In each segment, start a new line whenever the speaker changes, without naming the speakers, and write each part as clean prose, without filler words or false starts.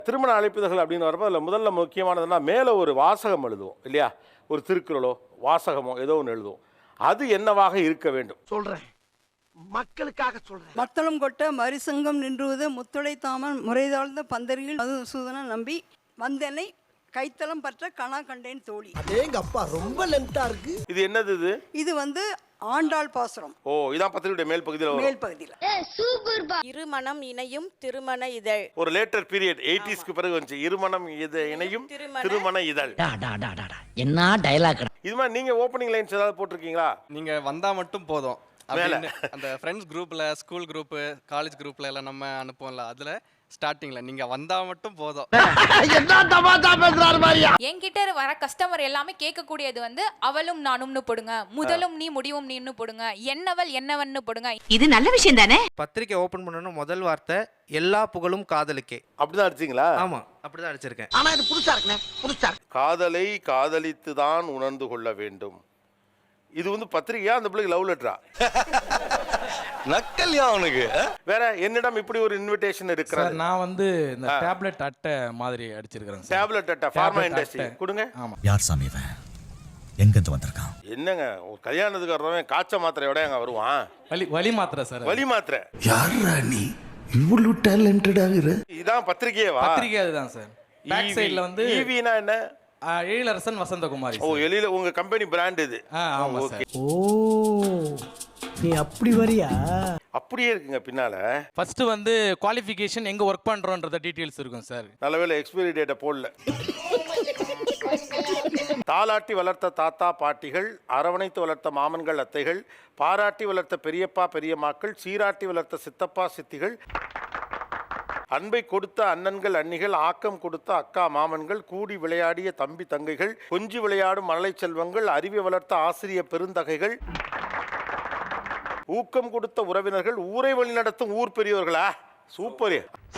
திருமண அழைப்பிதழ்கள் அப்படின்னு வரப்போ அதில் முதல்ல முக்கியமானதுன்னா மேலே ஒரு வாசகம் எழுதுவோம் இல்லையா, ஒரு திருக்குறளோ வாசகமோ ஏதோ ஒன்று எழுதுவோம். அது என்னவாக இருக்க வேண்டும்?
சொல்றேன், மக்களுக்காக சொல்றேன்.
மத்தளம் கொட்ட மரிசங்கம் நின்றுவது முத்துளை தாமன் முறைதாழ்ந்த பந்தரியில் மதுசூதன நம்பி வந்தனை கைத்தளம் பற்ற கணா கண்டேன் தோழி.
அதேங்க அப்பா, ரொம்ப லென்த்தா இருக்கு.
இது என்னது இது?
இது வந்து ஆண்டாள் பாசுரம்.
ஓ, இதான் பத்திரிகையுடைய மேல் பகுதியில்
மேல் பகுதியில்.
இருமணம் இணையும் திருமண இதழ்.
ஒரு லேட்டர் பீரியட் 80ஸ்க்கு பிறகு வந்துச்சு. இருமணம் இணையும் திருமண இதழ்.
என்ன டயலாக்.
இது மாதிரி நீங்க ஓப்பனிங் லைன்ஸ் ஏதாவது போட்டிருக்கீங்களா?
நீங்க வந்தா மட்டும் போதும் அப்படின்னு அந்த ஃப்ரெண்ட்ஸ் குரூப்ல, ஸ்கூல் குரூப், காலேஜ் குரூப்ல எல்லாம் நம்ம அனுப்புவோம்ல, அதுல ஸ்டார்டிங்ல நீங்க வந்தா மட்டும் போதும்.
என்கிட்ட வர கஸ்டமர் எல்லாமே கேட்கக்கூடியது வந்து அவளும் நானும்னு போடுங்க, முதலும் நீ முடிவும் நீன்னு போடுங்க, என்னவள் என்னவன்னு போடுங்க.
இது நல்ல விஷயம் தானே.
பத்திரிக்கை ஓபன் பண்ணனும் முதல் வார்த்தை எல்லா புகழும் காதலுக்கே.
அப்படிதான் அடிச்சீங்களா?
ஆமா, அப்படிதான் அடிச்சிருக்கேன்.
ஆனா இது புதுசா இருக்குனே, புதுசா.
காதலை காதலித்து தான் உணர்ந்து கொள்ள வேண்டும். இது வந்து பத்திரிகையா, அந்த பிள்ளைக்கு லவ் லெட்டரா?
நக்கல்யா அவனுக்கு.
வேற என்னிடம் இப்படி ஒரு இன்விடேஷன் இருக்கிறது.
நான் வந்து இந்த டேப்லெட் அட்டை மாதிரி அடிச்சிருக்கேன்.
டேப்லெட் அட்டை, ஃபார்மா இண்டஸ்ட்ரி கொடுங்க.
ஆமா.
யார் சாமி இவன்? எங்க இருந்து வந்திருக்கான்?
என்னங்க, ஒரு கல்யாணத்துக்கு வர்றவன் காய்ச்ச மாத்திரையோட அங்க வருவான்.
வலி மாத்திரை சார்.
வலி மாத்திரை.
யாரா நீ இவ்வளவு டேலண்டடா இரு?
இதான் பத்திரிகையேவா?
பத்திரிகை அதுதான் சார். பேக் சைடுல வந்து
ஈவினா என்ன?
எழிலரசன் வசந்தகுமாரி.
ஓ, எழில உங்க கம்பெனி பிராண்ட் இது.
ஆமா சார்.
ஓ, நீ அப்படி வரியா?
அப்படியே இருக்குங்க பின்னால.
ஃபர்ஸ்ட் வந்து குவாலிஃபிகேஷன், எங்க ஒர்க் பண்றோம்ன்றத டீடைல்ஸ் இருக்கும் சார்.
நல்லவேளை எக்ஸ்பைரி டேட்டை போடல. தாலாட்டி வளர்த்த தாத்தா பாட்டிகள், அரவணைத்து வளர்த்த மாமன்கள் அத்தைகள், பாராட்டி வளர்த்த பெரியப்பா பெரியம்மாக்கள், சீராட்டி வளர்த்த சித்தப்பா சித்திகள், அன்பை கொடுத்த அண்ணன்கள் அண்ணிகள், ஆக்கம் கொடுத்த அக்கா மாமன்கள், கூடி விளையாடிய தம்பி தங்கைகள், கொஞ்சி விளையாடும் மழலை செல்வங்கள், அறிவை வளர்த்த ஆசிரிய பெருந்தகைகள், ஊக்கம் கொடுத்த உறவினர்கள், ஊரை வழிநடத்தும் ஊர் பெரியவர்களா? சூப்பர்.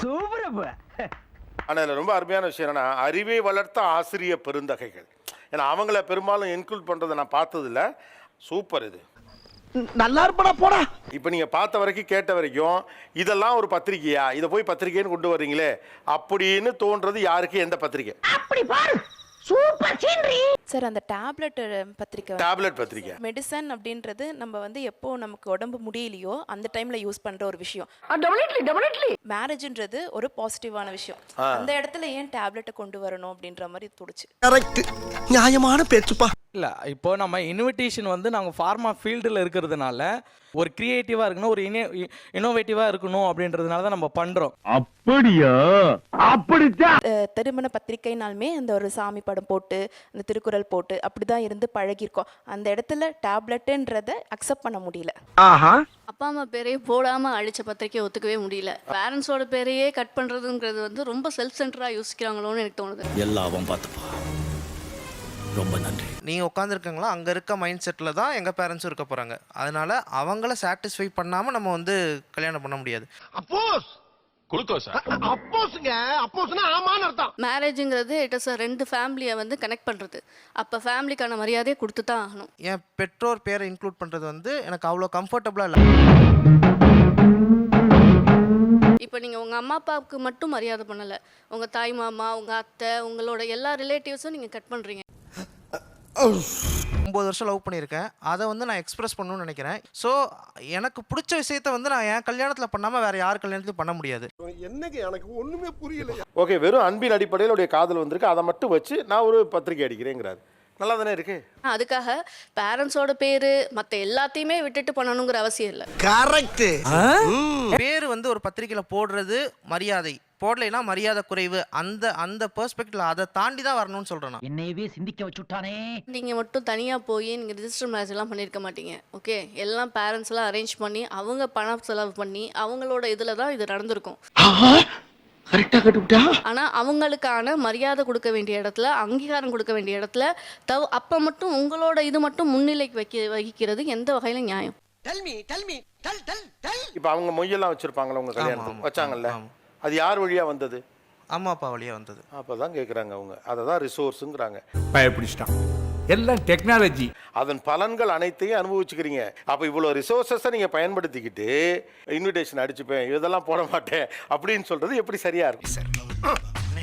ஆனா இதுல ரொம்ப அருமையான விஷயம் என்னன்னா, அறிவை வளர்த்த ஆசிரிய பெருந்தகைகள். ஏன்னா அவங்கள பெரும்பாலும் இன்க்ளூட் பண்றதை நான் பார்த்தது இல்லை. சூப்பர். இது
நல்லா இருப்படா போடா.
இப்போ நீங்க பார்த்த வரைக்கும் கேட்ட வரைக்கும் இதெல்லாம் ஒரு பத்திரிகையா, இதை போய் பத்திரிகைன்னு கொண்டு வர்றீங்களே அப்படின்னு தோன்றது யாருக்கு? எந்த பத்திரிகை?
அப்படி பாரு, சூப்பர் சீனரி
சார். அந்த டேப்லெட் பத்திரிக்கை,
டேப்லெட் பத்திரிகை,
மெடிசன் அப்படின்றது நம்ம வந்து எப்போ நமக்கு உடம்பு முடியலையோ அந்த டைம்ல யூஸ் பண்ற ஒரு விஷயம். மேரேஜ்ன்றது ஒரு பாசிட்டிவான விஷயம். அந்த இடத்துல ஏன் டேப்லெட்டை கொண்டு வரணும் அப்படின்ற மாதிரி தோணுச்சு.
கரெக்ட், நியாயமான பேச்சுப்பா.
இல்ல, இப்போ நம்ம இன்விடேஷன் வந்து நாங்க ஃபார்மா ஃபீல்டில் இருக்கிறதுனால ஒரு கிரியேட்டிவா இருக்கணும், ஒரு இன்னோவேட்டிவா இருக்கணும் அப்படின்றதுனால தான் நம்ம பண்றோம்.
அப்படியா? அப்படிதான்.
திருமண பத்திரிக்கைனாலுமே அந்த ஒரு சாமி படம் போட்டு அந்த திருக்குறள் போட்டு அப்படிதான் இருந்து பழகிருக்கோம். அந்த இடத்துல டேப்லெட்டுன்றதை அக்செப்ட் பண்ண முடியல.
ஆஹா.
அப்பா அம்மா பேரையே போடாம அழிச்ச பத்திரிக்கையை ஒத்துக்கவே முடியல. பேரண்ட்ஸோட பேரையே கட் பண்றதுங்கிறது வந்து ரொம்ப செல்ஃப் சென்டரா யோசிக்கிறாங்களோன்னு எனக்கு தோணுது.
எல்லாவும் பார்த்துப்பா. ரொம்ப நன்றி.
நீங்க உட்காந்துருக்கீங்களா, அங்க இருக்க மைண்ட் செட்ல தான் எங்க பேரண்ட்ஸும் இருக்க போறாங்க. அதனால அவங்கள சாட்டிஸ்ஃபை பண்ணாம நம்ம வந்து கல்யாணம் பண்ண முடியாது.
அப்போஸ் குளுக்கோஸா? அப்போஸ்ங்க, அப்போஸ்னா ஆமான்னு அர்த்தம்.
மேரேஜ்ங்கிறது இட் இஸ் ரெண்டு ஃபேமிலியை வந்து கனெக்ட் பண்றது. அப்ப ஃபேமிலிக்கான மரியாதையை கொடுத்து தான் ஆகணும்.
என் பெற்றோர் பேரை இன்க்ளூட் பண்றது வந்து எனக்கு அவ்வளோ கம்ஃபர்டபுளா இல்லை.
இப்போ நீங்க உங்க அம்மா அப்பாவுக்கு மட்டும் மரியாதை பண்ணல, உங்க தாய் மாமா, உங்க அத்தை, உங்களோட எல்லா ரிலேட்டிவ்ஸும் நீங்க கட் பண்றீங்க.
9 வருஷம் லவ் பண்ணியிருக்கேன். அதை வந்து நான் எக்ஸ்பிரஸ் பண்ணணும்னு நினைக்கிறேன். ஸோ எனக்கு பிடிச்ச விஷயத்த வந்து நான் என் கல்யாணத்தில் பண்ணாமல் வேற யார் கல்யாணத்துலையும் பண்ண முடியாது.
என்னங்க, எனக்கு ஒண்ணுமே புரியல.
ஓகே, வெறும் அன்பின் அடிப்படையில் உடைய காதல் வந்திருக்கு, அதை மட்டும் வச்சு நான் ஒரு பத்திரிகை அடிக்கிறேங்கிறாரு. நல்லா தானே இருக்கு.
அதுக்காக பேரண்ட்ஸோட பேரு மற்ற எல்லாத்தையுமே விட்டுட்டு பண்ணணுங்கிற அவசியம் இல்லை.
கரெக்ட்.
பேர் வந்து ஒரு பத்திரிக்கையில் போடுறது மரியாதை, போடலைன்னா மரியாதை குறைவு. அந்த அந்த பெர்ஸ்பெக்டிவ்ல அதை தாண்டி தான் வரணும்னு சொல்றேன் நான்.
என்னையவே சிந்திக்க வச்சுட்டானே.
நீங்க மட்டும் தனியா போய் நீங்க ரிஜிஸ்டர் மேரேஜ் எல்லாம் பண்ணிருக்க மாட்டீங்க. ஓகே, எல்லாம் பேரண்ட்ஸ் எல்லாம் அரேஞ்ச் பண்ணி அவங்க பணம் செலவு பண்ணி அவங்களோட இதுல தான் இது நடந்திருக்கும்.
கரெக்டா கட்டுட்டா.
ஆனா அவங்களுக்கான மரியாதை கொடுக்க வேண்டிய இடத்துல, அங்கீகாரம் கொடுக்க வேண்டிய இடத்துல அப்ப மட்டும் உங்களோட இது மட்டும் முன்னிலைக்கு வகிக்கிறது எந்த வகையில நியாயம்?
இப்போ அவங்க மொய்யெல்லாம் வச்சிருப்பாங்களா உங்க கல்யாணத்துக்கு? வச்சாங்கல்ல, அது யார் வழியா வந்தது?
அம்மா அப்பா வழியா வந்தது.
அப்பதான் கேட்குறாங்க அவங்க, அதை தான் ரிசோர்ஸுங்கிறாங்க.
பயப்பிடிச்சிட்டான். எல்லாம் டெக்னாலஜி.
அதன் பலன்கள் அனைத்தையும் அனுபவிச்சுக்கிறீங்க. அப்போ இவ்வளோ ரிசோர்ஸஸை நீங்கள் பயன்படுத்திக்கிட்டு இன்விடேஷன் அடிச்சுப்பேன், இதெல்லாம் போட மாட்டேன் அப்படின்னு சொல்றது எப்படி சரியா இருக்கும்?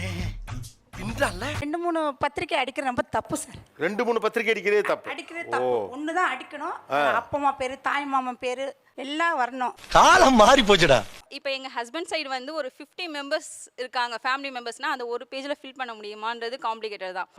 அடிச்சிட்டான்ல.
2-3 பத்திரிக்கை அடிக்கிறது ரொம்ப தப்பு சார்.
2-3 பத்திரிக்கை அடிக்கிறதே தப்பு.
அடிக்கிறது தப்பு. ஒன்று தான் அடிக்கணும். அப்பா அம்மா பேர், தாய் மாமன் பேர் எல்லாம் வரணும்.
காலம் மாறி போச்சுடா.
இப்போ எங்கள் ஹஸ்பண்ட் சைடு வந்து ஒரு 50 மெம்பர்ஸ் இருக்காங்க, ஃபேமிலி மெம்பர்ஸ்னால் அந்த ஒரு பேஜில் ஃபில் பண்ண முடியுமான்றது காம்ப்ளிகேட்டட் தான்.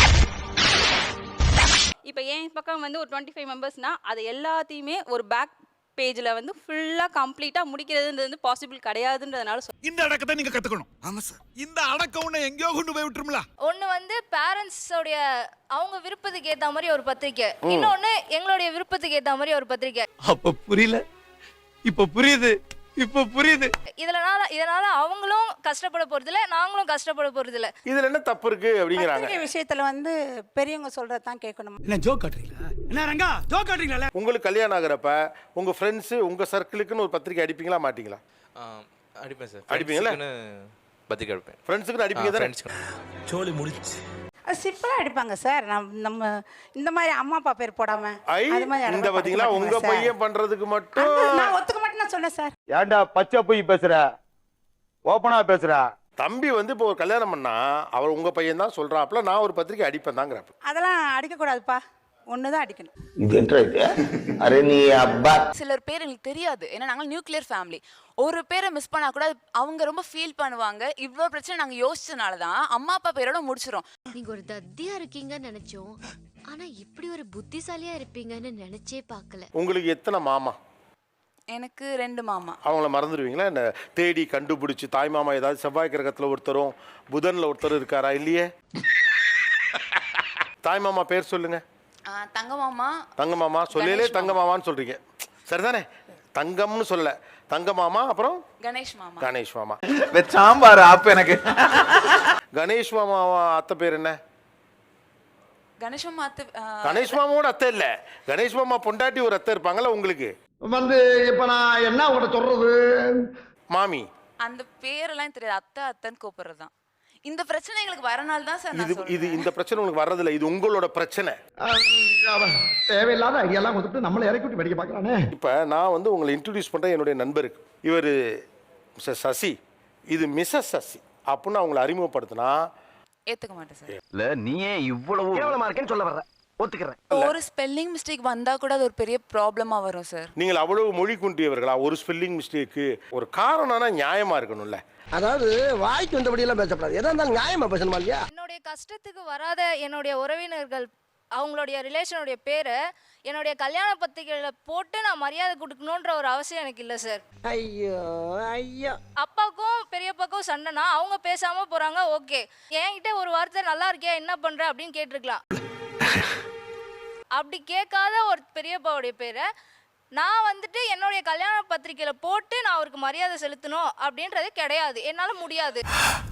இப்போ என் பக்கம் வந்து ஒரு 25 மெம்பர்ஸ்னால் அது எல்லாத்தையுமே ஒரு பேக் பேஜில் வந்து ஃபுல்லாக கம்ப்ளீட்டாக முடிக்கிறதுன்றது வந்து பாசிபிள் கிடையாதுன்றதுனால
இந்த அடக்கத்தை நீங்க கத்துக்கணும். ஆமா சார். இந்த அடக்கம் உன்னை எங்கேயோ கொண்டு போய் விட்டுருங்களா.
ஒன்று வந்து பேரண்ட்ஸோடைய அவங்க விருப்பத்துக்கு ஏற்ற மாதிரி ஒரு பத்திரிக்கை, இன்னொன்று எங்களுடைய விருப்பத்துக்கு ஏற்ற மாதிரி ஒரு பத்திரிக்கை.
அப்ப புரியல, இப்ப புரியுது, இப்ப புரியுது.
இதனால அவங்களும் கஷ்டப்பட போறதில்ல, நாங்களும் கஷ்டப்பட போறதில்ல.
இதுல என்ன தப்பு இருக்கு அப்படிங்கிறாங்க.
பத்திரிக்கை விஷயத்துல வந்து பெரியவங்க சொல்றது தான் கேட்கணும்.
என்ன ஜோக் காட்டுறீங்களா? என்ன ரங்கா ஜோக் காட்டுறீங்களா?
உங்களுக்கு கல்யாணம் ஆகுறப்ப உங்க ஃப்ரெண்ட்ஸ் உங்க சர்க்கிளுக்குன்னு ஒரு பத்திரிக்கை அடிப்பீங்களா மாட்டீங்களா?
அடிப்பேன் சார்.
அடிப்பீங்களா?
பத்திரிக்கை அடிப்பேன்.
ஃப்ரெண்ட்ஸுக்குன்னு அடிப்பீங்க தானே?
சோலி முடிச்சு.
சிம்பிளா அடிப்பாங்க சார். நம்ம இந்த மாதிரி அம்மா அப்பா பேர் போடாம அது மாதிரி
இந்த
அடக்க
பாத்தீங்களா
மாட்டீங்க
உங்க
சார்.
பையன் பண்றதுக்கு மட்டும்
நான் ஒத்துக்க மாட்டேன்னு நான் சொன்னேன் சார்.
ஏன்டா பச்சை போய் பேசுற? ஓபனா பேசுற.
தம்பி வந்து இப்போ ஒரு கல்யாணம் பண்ணா அவர் உங்க பையன் தான் சொல்றாப்ல, நான் ஒரு பத்திரிக்கை அடிப்பேன் தாங்கிறப்ப.
அதெல்லாம் அடிக்க கூடாதுப்பா. ஒண்ணுதான் அடிக்கணும்.
இது என்ன? அரே நீ அப்பா.
சிலர் பேர் எங்களுக்கு தெரியாது, ஏன்னா நாங்கள் நியூக்ளியர் ஃபேமிலி. ஒரு பேரை மிஸ் பண்ணா கூட அவங்க ரொம்ப ஃபீல் பண்ணுவாங்க. இவ்வளோ பிரச்சனை நாங்கள் யோசிச்சனால தான் அம்மா அப்பா பேரோட முடிச்சிடும்.
நீங்க ஒரு தத்தியா இருக்கீங்கன்னு நினைச்சோம், ஆனா இப்படி ஒரு புத்திசாலியா இருப்பீங்கன்னு நினைச்சே பார்க்கல.
உங்களுக்கு எத்தனை மாமா?
எனக்கு 2 மாமா.
அவங்கள மறந்துடுவீங்களா என்ன? தேடி கண்டுபிடிச்சி தாய் மாமா ஏதாவது செவ்வாய் கிரகத்தில் ஒருத்தரும் புதனில் ஒருத்தரும் இருக்காரா? இல்லையே. தாய் மாமா பேர் சொல்லுங்க.
தங்க மாமா.
தங்க மாமா சொல்லலே தங்க மாமான்னு சொல்றீங்க, சரிதானே? தங்கம்னு சொல்ல தங்க மாமா, அப்புறம்
கணேஷ் மாமா.
கணேஷ் மாமா.
சாம்பார் அப்ப எனக்கு.
கணேஷ் மாமா அத்தை பேர் என்ன?
கணேஷ் மாமா
கணேஷ் மாமாவோட அத்தை இல்ல, கணேஷ் மாமா பொண்டாட்டி ஒரு அத்தை இருப்பாங்கல்ல உங்களுக்கு.
வந்து இப்ப நான் என்ன உங்கள்ட்ட சொல்றது?
மாமி.
அந்த பேரெல்லாம் தெரியாது, அத்தை அத்தைன்னு கூப்பிடுறது தான். இந்த பிரச்சனை எங்களுக்கு வரனால தான் சார் நான்
இது
சொல்றேன்.
இந்த பிரச்சனை உங்களுக்கு வர்றதில்ல, இது உங்களோட பிரச்சனை.
தேவையில்லாத ஐடியாலாம் கொடுத்துட்டு நம்மளை இறக்கி விட்டு படிக்க பார்க்கறானே.
இப்போ நான் வந்து உங்களை இன்ட்ரடியூஸ் பண்ணுறேன் என்னுடைய நண்பருக்கு. இவர் மிஸ்ஸஸ் சசி, இது மிஸ்ஸஸ் சசி அப்படின்னு அவங்களை அறிமுகப்படுத்தினா
ஏத்துக்க மாட்டேன் சார்.
இல்ல நீயே இவ்வளவு கேவலமா இருக்கேன்னு சொல்ல வர்ற, ஒத்துக்கிறேன்.
ஒரு ஸ்பெல்லிங் மிஸ்டேக் வந்தா கூட அது ஒரு பெரிய ப்ராப்ளமா வரும் சார்.
நீங்கள் அவ்வளவு மொழி குன்றியவர்களா? ஒரு ஸ்பெல்லிங் மிஸ்டேக்கு ஒரு காரணம்னா நியாயமா இருக்கணும்ல.
அதாவது வாய்க்கு வந்தபடி எல்லாம் பேசப்படாது, எதா இருந்தாலும் நியாயமா பேசணுமா இல்லையா?
என்னுடைய கஷ்டத்துக்கு வராத என்னுடைய உறவினர்கள் அவங்களுடைய ரிலேஷனுடைய பேரை என்னுடைய கல்யாண பத்திரிகையில் போட்டு நான் மரியாதை கொடுக்கணுன்ற ஒரு அவசியம் எனக்கு இல்லை சார்.
ஐயோ ஐயோ.
அப்பாவுக்கும் பெரியப்பாக்கும் சண்டைனா அவங்க பேசாம போறாங்க, ஓகே. என்கிட்ட ஒரு வார்த்தை நல்லா இருக்கியா, என்ன பண்ற அப்படின்னு கேட்டிருக்கலாம். அப்படி கேட்காத ஒரு பெரியப்பாவுடைய பேரை நான் வந்துட்டு என்னுடைய கல்யாண பத்திரிக்கையில போட்டு நான் அவருக்கு மரியாதை செலுத்தணும் அப்படின்றது கிடையாது, என்னால முடியாது.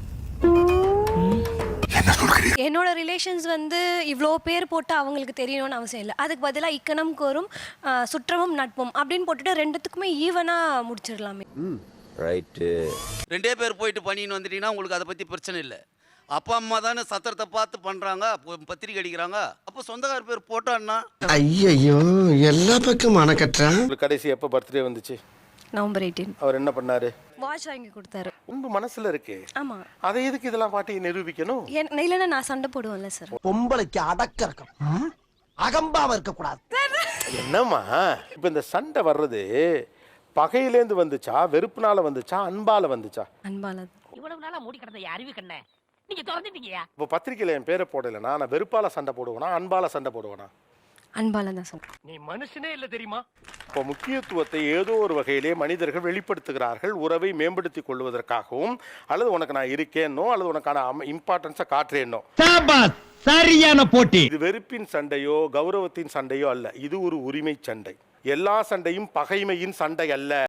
என்னோட ரிலேஷன்ஸ் வந்து இவ்வளோ பேர் போட்டு அவங்களுக்கு தெரியணும்னு அவசியம் இல்லை. அதுக்கு பதிலாக இக்கணம் கோரும் சுற்றமும் நட்பும் அப்படின்னு போட்டுட்டு ரெண்டுத்துக்குமே ஈவனாக முடிச்சிடலாமே.
ரைட்டு.
2 பேர் போயிட்டு பண்ணின்னு வந்துட்டீங்கன்னா உங்களுக்கு அதை பற்றி பிரச்சனை இல்லை. அப்பா அம்மா தானே சத்திரத்தை பார்த்து பண்ணுறாங்க, பத்திரிக்கை அடிக்கிறாங்க. அப்போ சொந்தக்கார பேர் போட்டான்னா
ஐயோ எல்லா பக்கம் அணக்கட்டான்.
கடைசி எப்போ பர்த்டே வந்துச்சு?
நவம்பர் 18.
அவர் என்ன பண்ணாரு?
வாட்ச் வாங்கி கொடுத்தாரு.
உங்க மனசுல இருக்கு.
ஆமாம்.
அதை எதுக்கு இதெல்லாம் பாட்டி நிரூபிக்கணும்?
இல்லைன்னா நான் சண்டை போடுவேன்ல சார்.
பொம்பளைக்கு அடக்க இருக்கணும், அகம்பாவ இருக்கக்கூடாது.
என்னம்மா இப்போ இந்த சண்டை வர்றது பகையிலேருந்து வந்துச்சா, வெறுப்புனால வந்துச்சா, அன்பால வந்துச்சா?
அன்பால.
இவ்வளவு நாளா மூடி கிடந்த அறிவு கண்ணே நீங்க திறந்துட்டீங்கயா.
இப்போ பத்திரிக்கையில் என் பேரை போடலைன்னா நான் வெறுப்பால சண்டை போடுவேனா, அன்பால சண்டை போடுவேனா?
அன்பால தான் சொல்றேன்.
நீ மனுஷனே இல்ல தெரியுமா?
இப்போ முக்கியத்துவத்தை ஏதோ ஒரு வகையிலே மனிதர்கள் வெளிப்படுத்துகிறார்கள், உறவை மேம்படுத்திக் கொள்வதற்காகவும், அல்லது உனக்கு நான் இருக்கேன்னோ, அல்லது உனக்கான இம்பார்ட்டன்ஸை காட்டுறேன்னோ.
சரியான போட்டி.
இது வெறுப்பின் சண்டையோ கௌரவத்தின் சண்டையோ அல்ல, இது ஒரு உரிமை சண்டை. எல்லா சண்டையும் பகைமையின் சண்டை அல்ல.